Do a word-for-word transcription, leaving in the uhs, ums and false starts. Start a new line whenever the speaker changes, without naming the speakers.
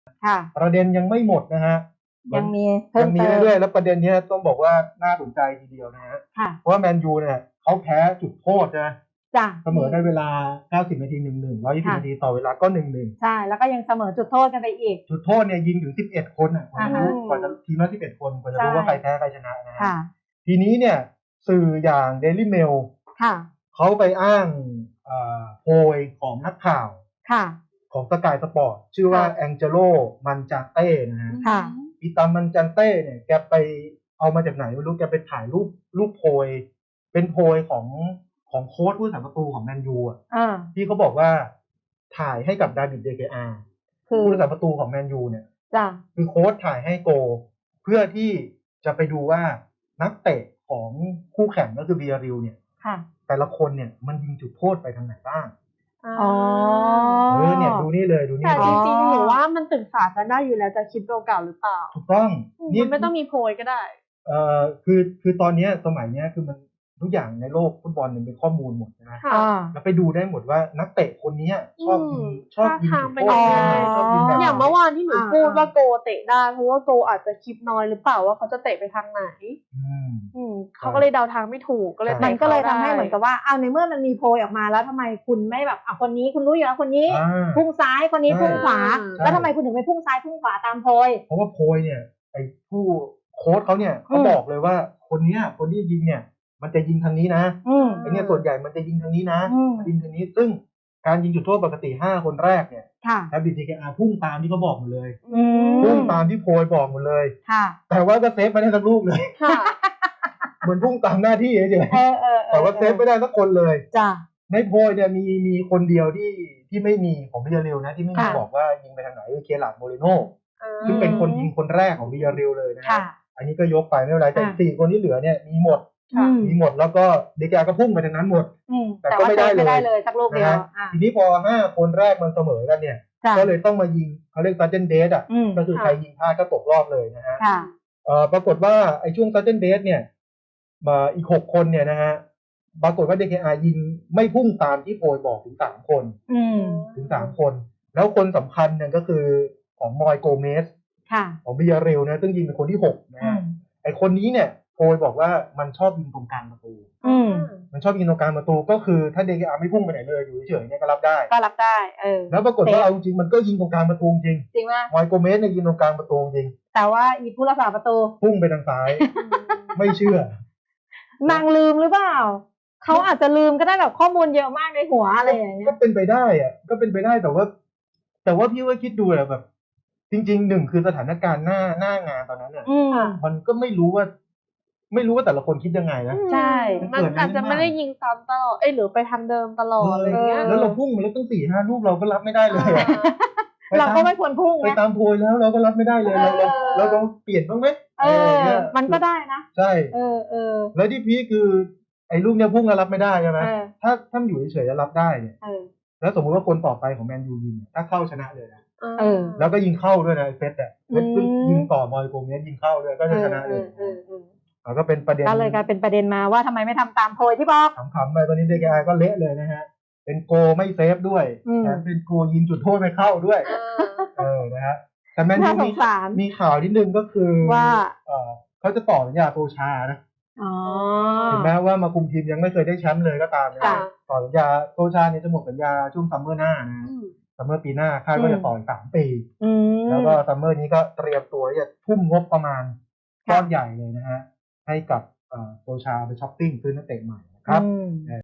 ประเด็นยังไม่หมดนะฮะ
ยังมี
ยังมีเรื่อยๆแล้วประเด็นนี้ต้องบอกว่าน่าสนใจทีเดียวนะฮะเพราะว่าแมนยูเนี่ยเขาแพ้จุดโทษนะเสมอในเวลาเก้าสิบนาที หนึ่งหนึ่ง หนึ่งร้อยยี่สิบนาทีต่อเวลาก็ หนึ่งหนึ่ง
ใช่แล้วก็ยังเสมอจุดโทษกันไปอีก
จุดโทษเนี่ยยิงถึงสิบเอ็ดคนอ่ะกว่าจะรู้กว่าจะทีมละสิบเอ็ดคนกว่าจะรู้ว่าใครแพ้ใครชนะนะฮะทีนี้เนี่ยสื่ออย่าง Daily Mail เขาไปอ้างโพยของนักข่าวของสกายสปอร์ตชื่อว่าแองเจโลมันจาเต้นะฮะอีตามันจาเต้เนี่ยแกไปเอามาจากไหนไม่รู้แกไปถ่ายรูปรูปโพยเป็นโพยของของโค้ชผู้รักษาประตูของแมนยูอ่ะที่เขาบอกว่าถ่ายให้กับดาวิดเดเกอาผู้รักษาประตูของแมนยูเนี่ยคือโค้ชถ่ายให้โกเพื่อที่จะไปดูว่านักเตะของคู่แข่งก็คือเบียริลเนี่ยแต่ละคนเนี่ยมันยิงจุดโทษไปทางไหนบ้าง
อ๋อ
เออเนี่ยดูนี่เลยดูนี่
แต่จริงๆหนูว่ามันศึกษากันได้อยู่แล้วจะคลิปเก่าๆหรือเปล่า
ถูกต้อง
นี่ไม่ต้องมีโพยก็ได้
เอ่อคือคือตอนนี้สมัยนี้คือมันทุกอย่างในโลกฟุตบอลมันเป็นข้อมูลหมดนะแล้วไปดูได้หมดว่านักเตะคนนี้ชอบชอบยิงจุดโทษชอบยิงแบบ
อย่างเมื่อวานที่หนูพูดว่าโกเตะได้เพราะว่าโกอาจจะคลิปน้อยหรือเปล่าว่าเขาจะเตะไปทางไหนอืมเขาก็เลยเดาทางไม่ถูกก็เลย
มันก็เลยทำให้เหมือนกับว่าเอาในเมื่อมันมีโพยออกมาแล้วทำไมคุณไม่แบบอ่ะคนนี้คุณรู้อยู่แล้วคนนี้พุ่งซ้ายคนนี้พุ่งขวาแล้วทำไมคุณถึงไม่พุ่งซ้ายพุ่งขวาตามโพย
เพราะว่าโพยเนี่ยไอ้ผู้โค้ชเขาเนี่ยเขาบอกเลยว่าคนนี้คนที่ยิงเนี่ยมันจะยิงทางนี้นะไอ้เนี่ยส่วนใหญ่มันจะยิงทางนี้นะยิงทางนี้ซึ่งการยิงจุดโทษปกติห้าคนแรกเนี่ยแอบิทีเคอาพุ่งตามที่เขาบอกหมดเลยพุ่งตามที่โพยบอกหมดเลยแต่ว่าก็เซฟไม่ได้สักลูกเลยเหมือนพุ่งตามหน้าที่เฉยๆแต่ว่าเซฟไม่ได้สักคนเลยในโพยเนี่ยมีมีคนเดียวที่ที่ไม่มีของบิยาริลนะที่ไม่มีบอกว่ายิงไปทางไหนคือเคลาร์ดโมเรโน่ซึ่งเป็นคนยิงคนแรกของบิยาริลเลยนะอันนี้ก็ยกไปไม่เป็นไรแต่สี่คนที่เหลือเนี่ยมีหมดมีหมดแล้วก็เดกาก็พุ่งไปทางนั้นหมด
แต่ก็ไม่ได้เลยสักลูกเดียว
ทีนี้พอห้าคนแรกมันเสมอกันเนี่ยก็เลยต้องมายิงเขาเรียกซัจเจนเดสอ่ะก็คือใครยิงพลาดก็ตกรอบเลยนะฮะปรากฏว่าไอ้ช่วงซัจเจนเดสเนี่ยมาอีกหกคนเนี่ยนะฮะปรากฏว่า ดี เค อาร์ ยิงไม่พุ่งตามที่โพยบอกถึงสามคนถึงสามคนแล้วคนสำคัญเนี่ยก็คือของมอยโกเมสของบิยาริลนะซึ่งยิงเป็นคนที่หกนะฮะไอ้คนนี้เนี่ยโพยบอกว่ามันชอบยิงตรงกลางประตูมันชอบยิงตรงกลางประตูก็คือถ้า ดี เค อาร์ ไม่พุ่งไปไหนเลยอยู่เฉยๆเนี่ยก็รับได้
ก็รับได้เออ
แล้วปรากฏว่าเอาจริงมันก็ยิงตรงกลางประตูจริง
จริงป่ะ
มอยโกเมสเนี่ยยิงตรงกลางประตูจริง
แต่ว่าอีผู้รักษาประตู
พุ่งไปทางซ้ายไม่เชื่อ
นางลืมหรือเปล่าเขาอาจจะลืมก็ได้แบบข้อมูลเยอะมากในหัวอะไรอย่างเงี้ย
ก็เป็นไปได้อะก็เป็นไปได้แต่ว่าแต่ว่าพี่ว่าคิดดูอะแบบจริงๆหนึ่งคือสถานการณ์หน้าหน้างานตอนนั้นเนี่ยมันก็ไม่รู้ว่าไม่รู้ว่าแต่ละคนคิดยังไงนะ
ใช่
มันอาจจะไม่ได้ยิงซ้ำตลอดเอ้ยหรือไปทางเดิมตลอดอะไรเงี้ย
แล้วเราพุ่งมาแล้วตั้งสี่ห้าลูกเราก็รับไม่ได้เลย
เราก็ไม่ควรพุ่ง
ไปตามโพยแล้วเราก็รับไม่ได้เลยเราเราต้องเปลี่ยนบ้างไหม
เออมันก็ได้นะ
ใช่
เออเออ
แล้วที่พีคือไอ้ลูกเนี้ยพุ่งแล้วรับไม่ได้ใช่ไหมถ้าถ้าอยู่เฉยๆแล้วรับได้เนี่ยแล้วสมมติว่าคนต่อไปของแมนยูยิงถ้าเข้าชนะเลยนะแล้วก็ยิงเข้าด้วยนะเฟสเนี่ยเฟสยิงต่อมอยโกเมสยิงเข้าด้วยก็จะชนะเลยก็เป็นประเด็น
ก็เลยกลายเป็นประเด็นมาว่าทำไมไม่ทำตามโพยที่บอก
ขำๆไปตอนนี้ ดี เค อาร์ ก็เละเลยนะฮะเป็นโกไม่เซฟด้วยแถมเป็นโกยิงจุดโทษไม่เข้าด้วยเออนะฮะแต่แมนยูมีมีข่าวนิดนึงก็คือ
ว่า
เขาจะต่อสัญญาโตชานะถึงแม้ว่ามาคุมทีมยังไม่เคยได้แชมป์เลยก็ตามนะต่อสัญญาโตชาเนี่ยจะหมดสัญญาช่วงซัมเมอร์หน้านะซัมเมอร์ปีหน้าคาดว่าจะต่ออีกสามปีแล้วก็ซัมเมอร์นี้ก็เตรียมตัวจะทุ่มงบประมาณก้อนใหญ่เลยนะฮะให้กับโตชาไปช้อปปิ้งซื้อนักเตะใหม่นะครับ